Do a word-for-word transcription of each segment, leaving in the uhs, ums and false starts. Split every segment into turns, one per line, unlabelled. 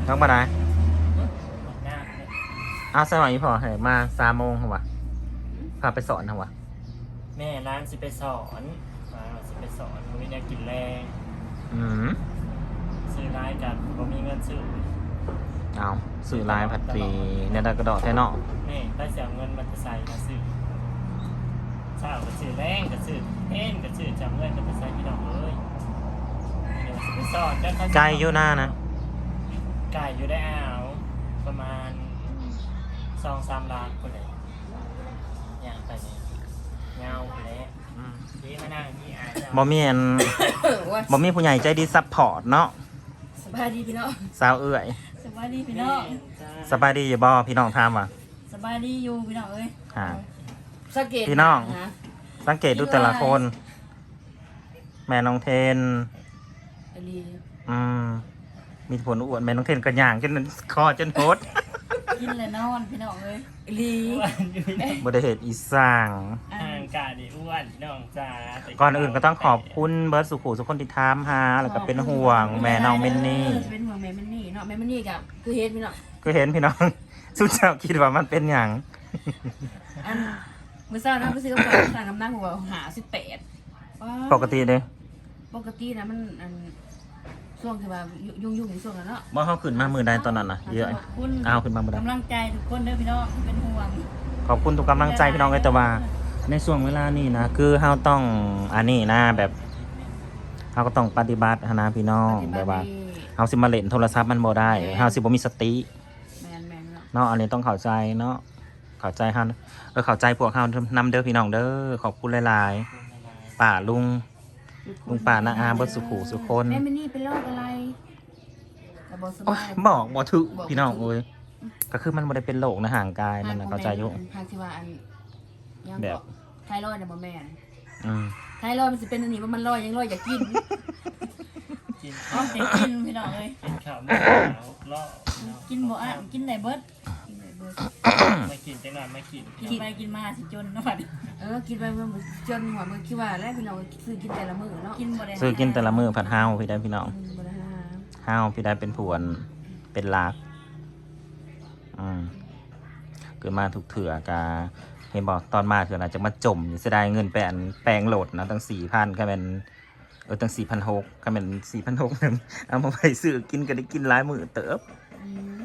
ต้องมาไหน
หน้าเนี่ย
อ้าวสมัยนี้พอเหรอมาสามโมงเหรอวะพาไปสอนเหรอวะ
แม่ร้านสิไปสอนร้านสิไปสอนมันมีแนวกินแรง
อืม
ซื้อร้ายกันก็มีเงินซื้อ
เอาสื่อลายผัดตรีเนี่ยได้กระดอกแท้เนาะ
แม่ได้เสียเงินมันจะใส่มาซื้อเช้าก็ซื้อแรงก็ซื้อเอ็นก็ซื้อจำเงินมันจะใส่พี่น้องเลยเดี๋ยวสิไปสอนกัน
ไกลอยู่หน้านะ
ไก่อยู่ได้อ้าวประมาณสองสามล้านคนเลยอย่างไปเนี่ยเงาไปแล้วที่มานั่งที่อายเจ้า
บ่มีอันบ่มีผู้ใหญ่ใจดีซัพพอร์ตเนาะ
สบายดีพี่น้อง
สาวเอื้อย
สบายดีพี่น้อง
สบายดีอยู่บ่พี่น้องถามว่ะ
สบายดีอยู่พี่น้องเอ้ย
ฮะ
สังเกต
พี่น้อง
นะ
สังเกตดูแต่ละคน แม่น้องเทน
อลี
อืมมีผลอ้วนแม่น้องเทนกระย่างจนคอจนโพด
กินเลยนอนพี่น้องเอ้ยอลี
อ้วนอยู่ใน
บ่ได้เฮ็ดอีสร้าง
อ่า
ห่างกาดีอ้วนน้องจ้าแต่
ก่อนอื่นก็ต้องขอบคุณเบิร์ดสุขุสุคนที่ถามหาแล้วก็เป็นห่วงแม่น้องเมนนี่
เป็นห่วงแม่เมนนี่เนาะแม่เมนนี่กับคือเฮ็ดพี่น้อง
ก็เห็นพี่น้อง สุดเจ้าคิดว่ามันเป็นหยัง
อันมื้อเช้านะมื้อซื้อกระเป๋าสั่งน้ำหนักหัวหาสิบแปด
ปกติเด้
ปกตินะมันอันช่วงที่ว่ายุ่งยุ่งๆในช่วงนั้นเนาะ
บ่เฮาขึ้นมามือใดตอนนั้นน่ะเยอะ
ขอบคุณ
อ้าวขึ้นมาบ่ได้
กำลังใจทุกคนเด้อพี่น้องที่เป็นห่วง
ขอบคุณทุกกำลังใจพี่น้องเลยแต่ว่า ในช่วงเวลานี้นะคือเฮาต้องอันนี้นะแบบเฮาก็ต้องปฏิบัตินะพี่น้องแบบว่าเฮาสิมาเล่นโทรศัพท์มันบ่ได้เฮาสิบ่มีสติ
แมนแมนเนาะ
เนาะอันนี้ต้องเข้าใจเนาะเข้าใจเฮาเออเข้าใจพวกเฮานำเด้อพี่น้องเด้อขอบคุณหลายๆป้าลุงลุงป้าน้าอาเบิดสุขุสุคน
แม่เมนนี่เป็นโรคอะไรกระบอกส
โอ้
บาย ย
บอกบ่ถูกพี่น้องเอ้ยก็คือมันบ่ได้เป็นโรคนะห่างกายมันน่ะเข้าใจอยู่
ทางที่ว่าอันยัง
แบบ
ไทรอยด์เนี่ยบ่แม่น
อืม
ไทรอยด์มันสิเป็นอันนี้ว่ามันลอยยังลอยอยากกิน
กิน
เอาแต่กินพี่น้องเอ้ย
กินข้าวไม่ขาวล่อ
กินบ่อ่ะกินได้เบิดกินได้เบิด
ไม่กินจังหวะไม่กิน
กินไปกินมาสิจนเนาะบัดเออกินไปเมื่อจนหัวมันคิดว่าแล้วพี่น้องซื้อกินแต่ละมื้อเนาะกินบ่ได้
ซื้อกินแต่ละมื้อผัดเฮาพี่ได้พี่น้อง
อืมบ่ได้หา
ห้าวพี่ได้เป็นผวนเป็นลักอืมเกิดมาถูกเถื่อกาเห็นบอกตอนมาเถื่อนะจะมาจมอยู่เสียดายเงินแปลนแปลงโหลดนะตั้งสี่พันก็เป็นเออตั้งสี่พันหกก็เป็นสี่พันหกนึงเอามาไปซื้อกินก็ได้กินหลายมือเติบ
อืม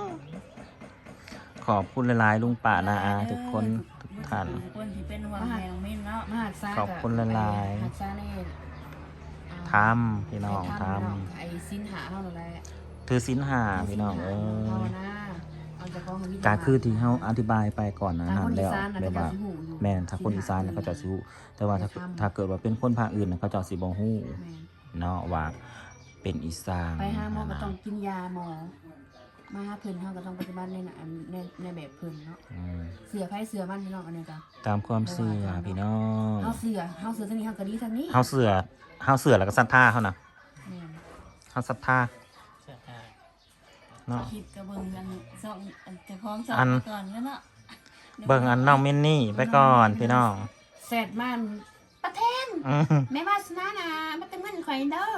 ขอบคุณหลายๆลุงป่านาอาทุกคนทุกท่าน
ทุกคนที่เป็นห่วงแม่น้องมิ้นเนาะมหัศจรรย์
ขอบคุณหลายๆ
มหัศจรรย์นี่อ่า
ทำพี่น้องท
ไอ้สินหาเฮานั่นแหละ
ำถือสินหาพี่น้องเอ
ภาว
อ
นาเอาจากของมี
กาคือที่เขาอธิบายไปก่อนนะ
ทาง
นั่
คน นอี
แล้ว
สานน่ะ
แบบ
เขา
ว่า
จะสิฮู้อยู่
แม่นถ้าคนอีสานน่ะเขาจะสิรู้แต่ว่าถ้าถ้าเกิดว่าเป็นคนภาคอื่นน่ะเขาจะสิบ่ฮู้
แม่น
เนาะว่าเป็นอีสาน
ไปหาหมอก็ต้องกินยาหมอ มาหาเพิ่นเฮาก็ต้องปฏิบัติในน่ะอันในในแบบเพิ่นเนาะ
อืม
เสือไผเสือมันพี่น้องอันนี้จ้ะ
ตามความเชื่อพี่น้อง
เฮาเสือเฮาเสือทางนี้เฮาก็ดีทางนี้
เฮาเสือเฮาเสือแล้วก็ศรัทธาเขานะ
แม่น
เฮาศรัทธา
เสื้อผ้า
เนาะ
คลิปก็เบิ่งกันส่องอันเจ้าของส่
อัน
ก่อนแล้วเนาะ
เบิ่งอันน้องมินนี่ไปก่อนพี่น้อง
แซดมันประเทน
อืม
แม่วาสนานะมันเป็นเงินข่อยเด้อ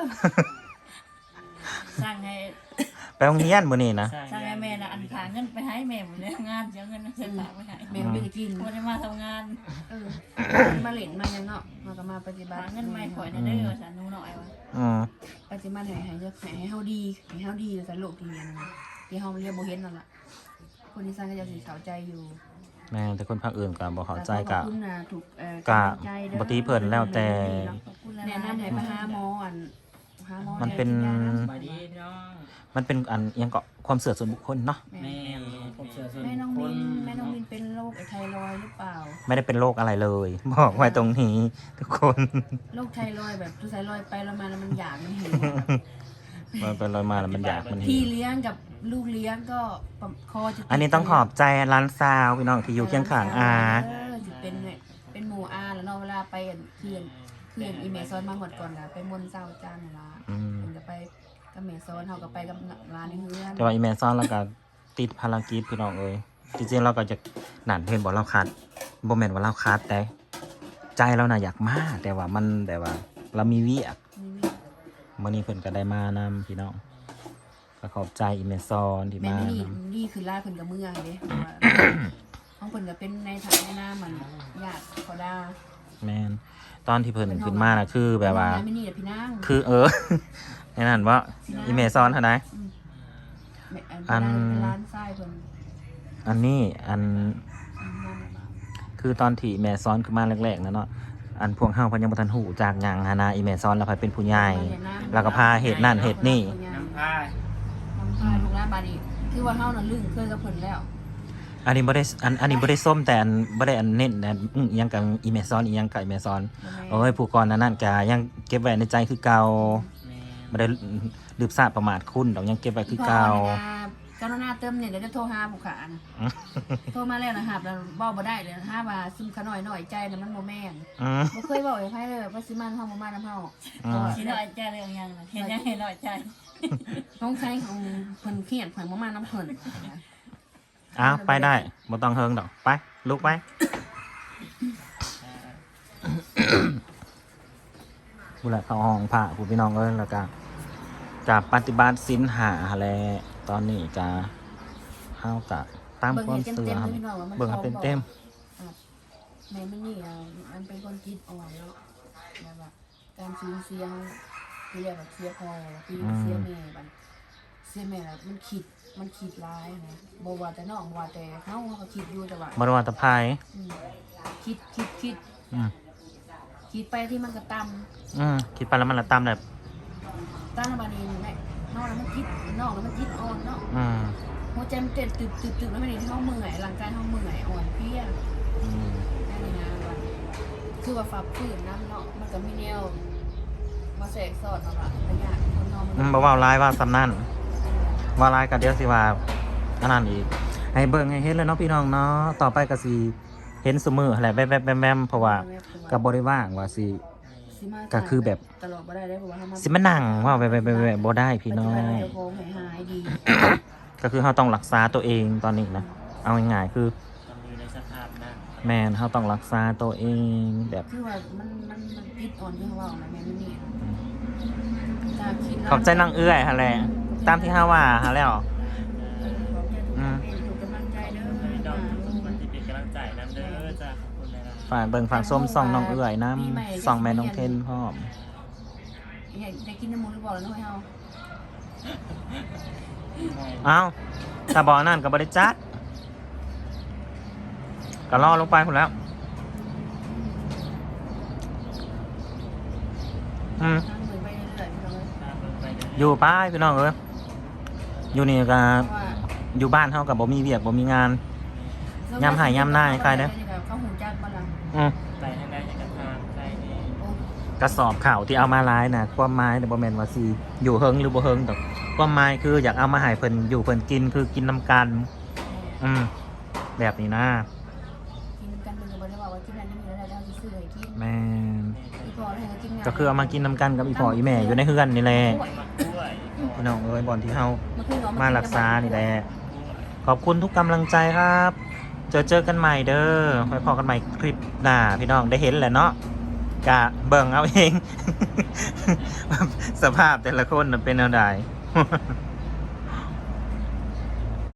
สั่งให้
ไปโรงเรียนมื้อนี้นะ
สั่งให้แม่น่ะอันพาเงินไปให้แม่หมดเลยงานเสียเงินเสียฝากไปให้แม่ไม่ได้กินบ่ได้มาทำงานเออมาเล่นมายังเนาะมาก็มาปฏิบัติเงินไม่ข่อยเด้อสานุหน่อยว่า
อืม
ปฏิบัติให้ให้เยอะให้เฮาดีให้เฮาดีสโลกที่เนี่ยนะที่เฮาเรียนบ่เห็นนั่นล่ะคนอีสานก็จะสิเข้าใจอยู่
แม่แต่คนภาคอื่นก็บ่เข้าใจ
ข
กะ
อบคุณนะถูกเอ่อก
ะ
ำลังใจด้อ
บ่ตีเพิ่นแล้วแต่
แนะนำให้ไปหาหมออันหาหมอ
มันเป็น
ให้กิยา
สบายดีพี่น้อง
มันเป็นอันอิหยังก็ความเชื่อส่วนบุคคลเนาะ
แม่
แม่ผมเสื้อส่วน
แม่น้อง
ค
มิ
น
นแม่น้องมินเป็นโรคไอ้ไทรอยด์หรือเปล่า
ไม่ได้เป็นโรคอะไรเลย บอกไว้ตรงนี้ทุกคน
โรคไทรอยด์แบบทุกไทรอยด์ไปแล้วมาแล้วมันอยากมันหิว
มันเป็นรอยมาแล้วมันอยากมัน
พี่
หิว
เลี้ยงกับลูกเลี้ยงก็ปะคอจะติด
อันนี้ต้องขอบใจร้านซาวพี่น้องที่อยู่เคียงข้างอา
เออจะเป็นเนี่ยเป็นหมู่อาแล้วเนาะเวลาไปอันเพื่อนเพื่อนอีเมซอนมาหมดก่อนละไปมนต์เศร้าจานน่ะละ
อืม
เพิ่นก็ไปกับเมซอนเฮาก็ไปกับร้านในเฮือน
แต่ว่าอีเมลซ่อนแล้วก็ติดภารกิจพี่น้องเอ้ยจริงๆเราก็จะหนานเห็นบอกเราคัดบ่แม่นว่าเราคัดแต่ใจเราน่ะอยากมาแต่ว่ามันแต่ว่า เรามีเวียก
นี่
มื้อนี้เพิ่นก็ได้มานำพี่น้องก็ขอบใจอีเมซอนที่
แม่
มา
นี่นี่คือลาเพิ่นกับเมื่อเด้ห้องเพิ่นก็เป็นในฐานะหน้ามันญาติเขาดา
แมนตอนที่เพิ่นขึ้นมาน่ะคือแบบว่า
ไม่นี่พี่นาง
คือเออ ในนั้นว่าอีเมซอนเท่าไหร่
อันร้านทรายเพิ่น
อันนี้อันคือตอนที่แม่ซ้อนขึ้นมาแรกๆนะเนาะอันพวกเฮาเพิ่นยังบ่ทันหูจากหยังหานาอีแม่ซ้อนแล้วไปเป็นผู้ใหญ่แล้วก็พาเฮ็ดนั่นเฮ็ดนี่
น้ำพาย
น้ำพาลูกหลานบาดนี้คือว่าเฮาน่ะลึงเคยกับเพิ่นแล้ว
อันนี้บ่ได้อันอันนี้บ่ได้ส้มแต่อันบ่ได้อันเน้นอันอื้ออิหยังกับอีแม่ซ้อนอีหยังกับอีแม่ซ้อนโอ้ยผู้ก่อนนั้นนั่นก็ยังเก็บไว้ในใจคือเก่า
แม่
บ่ได้ลืมซาประมาทคุณดอกยังเก็บไว้คือเก่า
เจ้าหน้าเติมเนี่ยเดี๋ยวจะโทรหาผู้ขานะโทรมาแล้วนะครับแล้วเว้าบ่ได้เลยห้าบาทซึมขน่อยหน่อยใจน่ะมันบ่แม่น
อือ
บ่เคยเว้าให้ไผเลยว่าสิมันเฮาบ่มานํเฮา
สิน้อยใจเรื่องยังเห็นยังเห็นน้อยใจ
น้องชายของเพิ่นเครียดเพิ่นบ่มานํเพิ่น
อ้าวไปได้บ่ต้องเฮิงดอกไปลุกไปผู้ละเข้าห้องพระผู้พี่น้องเอ้ยแล้วก็กับปฏิบัติศีลหาแลตอนนี้ก็เฮาก็ตามความเชื่อครับเบิ่งให้เป็นเต็ม
แม่มันนี่อ่ะมันเป็นคนคิดอ่อนแล้วแบบว่าการสูญเสียคือเรียกว่าเสียพ่อคือเสียแม่บัดเสียแม่มันคิดมันคิดร้ายนะบ่ว่าแต่น้องบ่ว่าแต่เฮาเฮาก็คิดอยู่แต่ว่า
บ่ได้ว่าแตะไผ
อืมคิดคิดคิด
อืม
คิดไปที่มันก็ต่ำ
อืมคิดไปแล้วมันละตามแบบ
ตั้งบานี้แหละนอกแล้วมันคิดนอกแล้วมันคิดอ่อนเนาะ
อืม
หัวใจมันเต้นตึบตึบตึบแล้วมันนี่เฮาเมื่อยร่างกายเฮาเมื่อยอ่อนเพลีย
อืม
นั่นนี่นะว่าคือว่าฝักฝืนน้ำเนาะมันก็มีแนวมาแสกสอดเอาละระยะคนนอนมัน
อืมบ่เว้าร้ายว่าซำนั้นว่าร้ายก็เดี๋ยวสิว่าอันนั้นอีกให้เบิ่งให้เห็นเลยเนาะพี่น้องเนาะต่อไปก็สิเห็นซุมื้อแหละแวบๆแวมๆเพราะว่าก็บ่ได้ว่างว่าสิ
สิมา
ก็คือแบบ
ตลอดบ่ได้ได้เพราะว่าเฮามา
สิมานั่งว่าแวบๆๆบ่ได้พี่น้อง
ปัจจุบัเดี๋ยวโคงหายดี
ก็คือเราต้องรักษาตัวเองตอนนี้นะเอาง่ายๆคือ
ต้องอยู่ในสภาพนั้น
แม่นเราต้องรักษาตัวเองแบบ
คือว่ามันมันมันคิดอ่อนที่เขาว่านะแม่มันนี่ถ้าคิด
ขอบใจนางเอื้อยฮะแหละตามที่เฮาว่าฮะแล้ว
ขอบใจทุกกำลังใจเด้อ
ไม่ต้องมันจะเป็นกำลังใจน้ำเด้อจ้าขอบคุณเลยนะ
ฝากเบิ่งฝากส้มส่องน้องเอื้อยน้ำส่องแม่น้องเทนพร้อม
ได้กินน้ำมูกหรือเปล่าแล้วน้อยเฮา
เอ้าถ้าบ่นั่นก็บ่ได้จัดก็รอลงไปพุ่นแล้วอืม
ทางเดินไปเรื่อยๆพี่น้อง
ตามเบิ่งไปเด้อ
อยู่ป้ายพี่น้องเอ้ยอยู่นี่ก็
เพราะว่า
อยู่บ้านเฮากับบ่มีเวียกบ่มีงาน ย้ำหายย้ำหน้าให้ใครเด้อ
เขาหูจักบ่ล่ะ
อืม
ไปทางใดทางทางใครนี่
โอ้
กระสอบข่าวที่เอามาร้ายนะความหมายแต่บ่แม่นว่าสิอยู่เฮิงหรือบ่เฮิงดอกความหมายคืออยากเอามาให้เพิ่นอยู่เพิ่นกินคือกินนํกัน อืมแบบนี้นะ
กินกันเป็นก็บ่ได้ว่าว่ากินนั้นนี่แล้วเราสิซื้อให้กิน
แม่น
อีพอให้กินงาน
ก็คือเอามากินนํกันกับอีพ่ออีแม่อยู่ในเฮือนนี่แหละ
มาด้วย
พี่น้องเอ้ยบ่อนที่เฮา
มันคือเนะ
มารักษานี่แหละขอบคุณทุกกำลังใจครับ เจอเจอกันใหม่เด้อไว้พอกันใหม่คลิปหน้าพี่น้องได้เห็นแหละเนาะกะเบิ่งเอาเอง สภาพแต่ละคนน่ะเป็นแนวใด